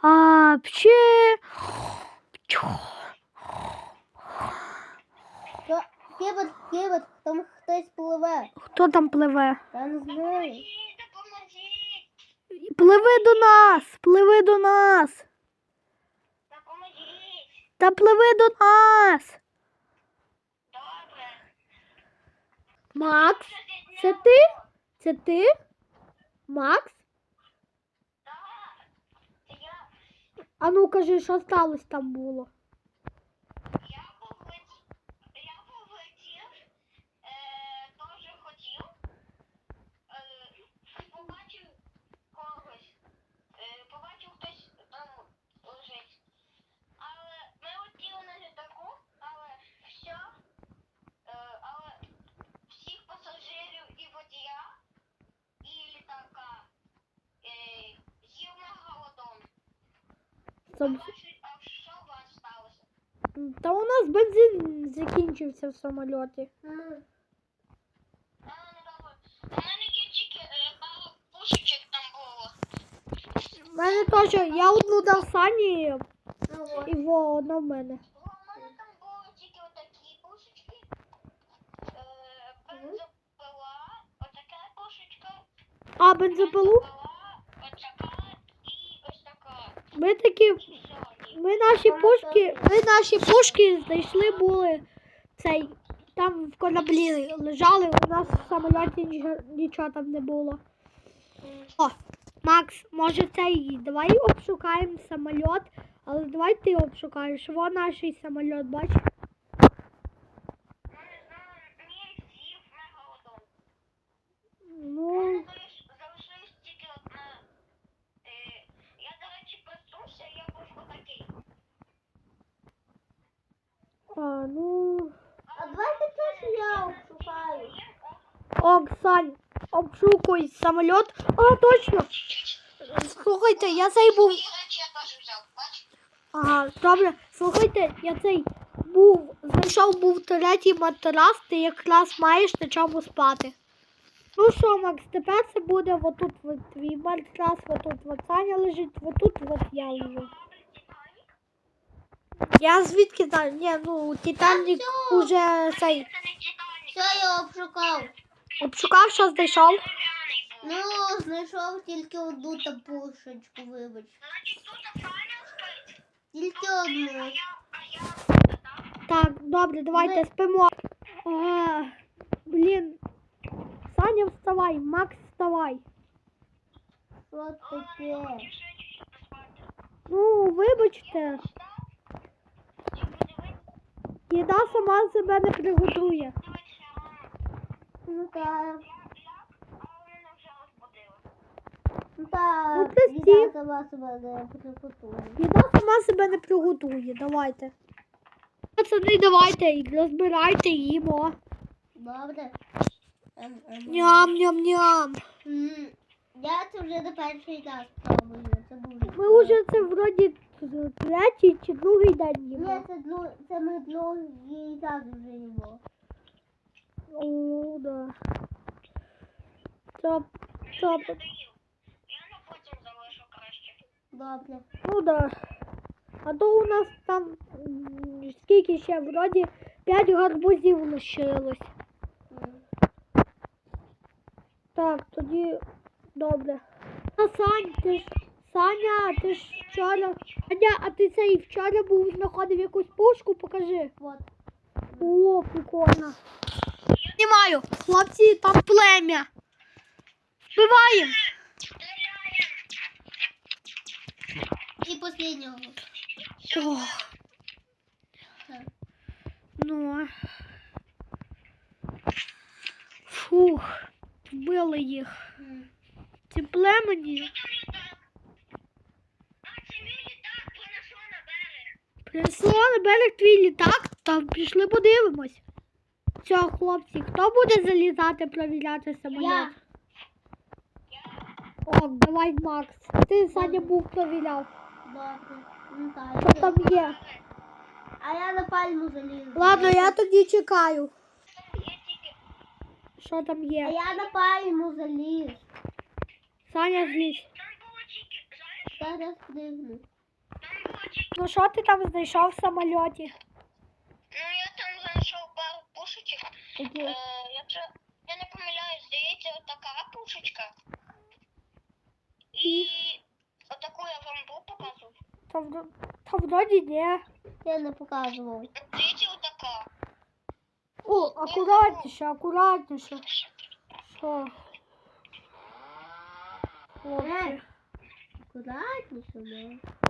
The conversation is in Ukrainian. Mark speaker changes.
Speaker 1: Пчі.
Speaker 2: Кибер, там хтось пливе.
Speaker 1: Хто там пливе?
Speaker 2: Я не знаю.
Speaker 1: Пливи до нас, пливи до нас. Та пливи до нас.
Speaker 3: Добре.
Speaker 1: Макс, це ти? Це ти? Макс?
Speaker 3: Так. Я
Speaker 1: А ну кажи, що сталося там було?
Speaker 3: Я полетів, теж хотів, побачив когось, побачив хтось там лежить. Але ми летіли на літаку, але всіх пасажирів і водія, і літака з'їв мегалодон. А що у вас сталося?
Speaker 1: Та у нас бензин закінчився в самольоті.
Speaker 3: Ну добре. У мене є тільки пару пушечок там було.
Speaker 1: У мене теж, я одну дав Сані,
Speaker 2: Ну,
Speaker 1: і одна в мене.
Speaker 3: У мене там були тільки отакі пушечки. Бензопила, отака пушечка.
Speaker 1: А, бензопилу?
Speaker 3: Бензопила, отака і ось така.
Speaker 1: Ми такі,
Speaker 3: Все.
Speaker 1: ми наші пушки знайшли були цей, там в кораблі лежали, у нас в самольоті нічого там не було. О, Макс, може цей, давай обшукаємо самоліт, але давай ти обшукаєш, во наш самоліт, бач?
Speaker 3: Ну не знаю, мій з'їв мегалодон.
Speaker 1: Ну,
Speaker 3: Залишилось тільки одна. Я, до речі, проснувся, я був отакий.
Speaker 1: ну,
Speaker 2: а давайте теж я обшукаю.
Speaker 1: Оксань, обшукуй самоліт. А, точно. Слухайте, я цей був.
Speaker 3: І речі я теж взяв, бач?
Speaker 1: Ага, добре. Слухайте, я цей знайшов третій матрас, ти якраз маєш на чому спати. Ну що, Макс, тепер це буде отут от твій матрас, отут от Саня лежить, отут от я лежу. Я звідки знаю? Ні, ну Титанік уже цей.
Speaker 3: Це не Титанік.
Speaker 2: Все, я обшукав.
Speaker 1: Обшукав, що знайшов.
Speaker 3: Дерев'яний був.
Speaker 2: Ну, знайшов тільки одну та пушечку, вибач.
Speaker 3: Значить, тут Саня спить.
Speaker 2: Тільки одну.
Speaker 3: А я
Speaker 1: Так, добре, давайте спимо. Блін. Саня, вставай, Макс, вставай.
Speaker 2: Що таке?
Speaker 1: Ну, вибачте, їда сама себе не приготує.
Speaker 2: Ну так. Ну
Speaker 1: Ну,
Speaker 2: так,
Speaker 1: прості.
Speaker 2: їда сама себе не приготує.
Speaker 1: Їда сама себе не приготує, давайте. Пацани, давайте, розбирайте, їмо.
Speaker 2: Добре.
Speaker 1: Ням-ням-ням.
Speaker 2: Я це вже не перший раз пробую. Це дуже.
Speaker 1: Ми вже це вроді третій чи другий день
Speaker 2: Ні,
Speaker 1: їмо.
Speaker 2: це ми другий раз вже їмо.
Speaker 1: О, да. Топ.
Speaker 3: Я на потім залишу краще.
Speaker 2: Добре.
Speaker 1: Ну да. А то у нас там скільки ще, вроді 5 гарбузів лишилось. Так, тоді добре. Саня, ти ж вчора. Саня, а ти цей вчора був знаходив якусь пушку, покажи.
Speaker 2: Вот.
Speaker 1: О, прикольно. Знімаю. Хлопці, там плем'я. Вбиваємо.
Speaker 2: І останнього.
Speaker 1: О. Ну. Фух. Вбили їх. Ці племені. Принесло на берег твій літак, там пішли подивимось. Все, хлопці, хто буде залізати, провіряти самоліт?
Speaker 2: Я.
Speaker 1: О, давай, Макс. Ти, Саня, був провіряв.
Speaker 2: Добре. Ну
Speaker 1: Що
Speaker 2: так.
Speaker 1: там є?
Speaker 2: А я на пальму залізу.
Speaker 1: Ладно, я тоді чекаю. Що там
Speaker 2: А
Speaker 1: є?
Speaker 2: я на пальму заліз.
Speaker 1: Саня, злізь.
Speaker 2: Зараз пригну.
Speaker 1: Ну що ти там знайшов в самольоті?
Speaker 3: Ну, я там знайшов пару пушечок.
Speaker 2: Які?
Speaker 3: Якщо я не помиляюсь, здається, отака пушечка.
Speaker 1: І?
Speaker 3: І отаку я вам був показував.
Speaker 1: Та вроді ні.
Speaker 2: Я не показував.
Speaker 3: Здається, отака.
Speaker 1: О, акуратніше, акуратніше. Що? Хлопці.
Speaker 2: Акуратніше, да.